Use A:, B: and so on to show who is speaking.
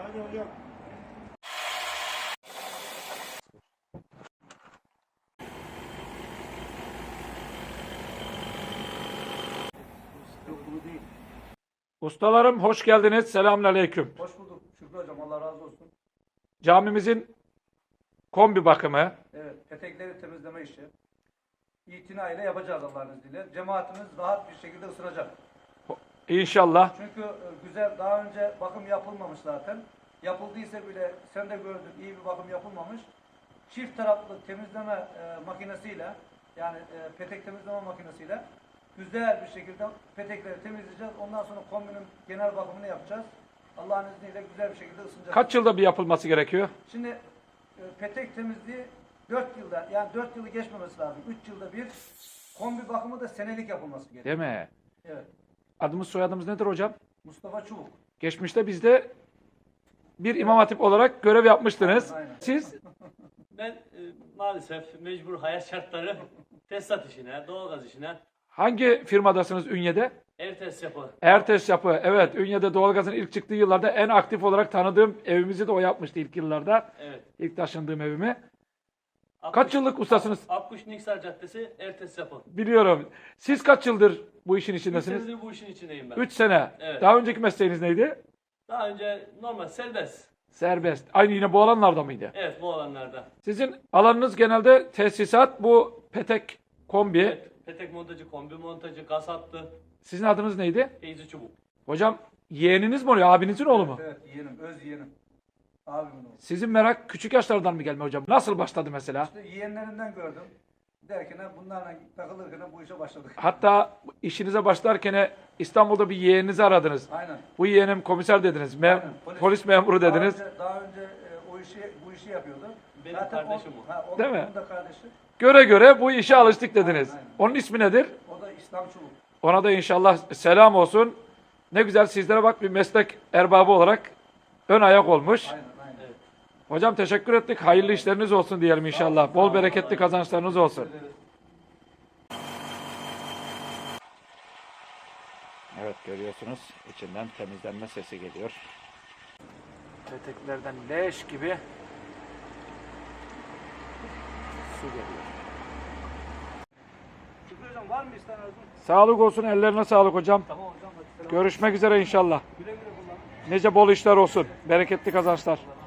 A: Hadi hocam. Yok bunu değil.
B: Ustalarım hoş geldiniz. Selamünaleyküm.
A: Hoş bulduk Şükrü hocam. Allah razı olsun.
B: Camimizin kombi bakımı.
A: Evet, petekleri temizleme işi. İtinayla yapacağız Allah'ın izniyle. Cemaatimiz rahat bir şekilde ısınacak.
B: İnşallah.
A: Çünkü güzel, daha önce bakım yapılmamış zaten. Yapıldıysa bile, sen de gördün, iyi bir bakım yapılmamış. Çift taraflı temizleme makinesiyle, yani petek temizleme makinesiyle güzel bir şekilde petekleri temizleyeceğiz. Ondan sonra kombinin genel bakımını yapacağız. Allah'ın izniyle güzel bir şekilde ısınacak.
B: Kaç yılda bir yapılması gerekiyor?
A: Şimdi petek temizliği 4 yılda, yani 4 yılı geçmemesi lazım. 3 yılda bir. Kombi bakımı da senelik yapılması gerekiyor.
B: Değil mi?
A: Evet.
B: Adımız soyadımız nedir hocam?
A: Mustafa Çubuk.
B: Geçmişte bizde bir imam hatip olarak görev yapmıştınız.
A: Aynen.
B: Siz
C: Ben maalesef mecbur hayat şartları tesisat işine, doğalgaz işine,
B: hangi firmadasınız Ünye'de?
C: ev tesis yapı.
B: Ertes Yapı. Evet, Ünye'de doğalgazın ilk çıktığı yıllarda en aktif olarak tanıdığım evimizi de o yapmıştı ilk yıllarda.
C: Evet.
B: İlk taşındığım evimi. Kaç yıllık ustasınız?
C: Akkuş Niksar Caddesi ev tesis yapı.
B: Biliyorum. Siz kaç yıldır bu işin
C: 3
B: içindesiniz?
C: senedir bu işin içindeyim ben.
B: 3 sene.
C: Evet.
B: Daha önceki mesleğiniz neydi?
C: Daha önce normal serbest.
B: Serbest. Aynı yine bu alanlarda mıydı?
C: Evet, bu alanlarda.
B: Sizin alanınız genelde tesisat, bu petek, kombi.
C: Evet, petek montajı, kombi montajı, gaz hattı,
B: Sizin adınız neydi?
C: teyze çubuk.
B: Hocam yeğeniniz mi oluyor? Abinizin oğlu mu?
A: Evet, yeğenim, öz yeğenim. Abimin oğlu.
B: Sizin merak küçük yaşlardan mı gelme hocam? Nasıl başladı mesela?
A: İşte yeğenlerinden gördüm. Derken bunlarla takılırken bu işe başladık.
B: Hatta işinize başlarken İstanbul'da bir yeğeninizi aradınız.
A: Aynen.
B: Bu yeğenim komiser dediniz.
A: Aynen,
B: Polis memuru dediniz.
A: Daha önce bu işi yapıyordu.
C: Benim
A: Zaten
C: kardeşim o.
B: Değil mi?
A: Onun da kardeşi.
B: Göre göre bu işe alıştık dediniz.
A: Aynen.
B: Onun ismi nedir?
A: O da İslam Çubuk.
B: Ona da inşallah selam olsun. Ne güzel sizlere bak bir meslek erbabı olarak ön ayak olmuş.
A: Aynen, aynen.
C: Evet.
B: Hocam teşekkür ettik. Hayırlı işleriniz olsun diyelim inşallah. Bol bereketli kazançlarınız olsun. Evet görüyorsunuz içinden temizlenme sesi geliyor. Peteklerden leş gibi su geliyor.
A: Şükrü hocam var mı isteyen arzu?
B: Sağlık olsun, ellerine sağlık hocam.
A: Tamam hocam. Hadi selam.
B: Görüşmek üzere inşallah.
A: Güle güle kullan.
B: Nice bol işler olsun. Bereketli kazançlar.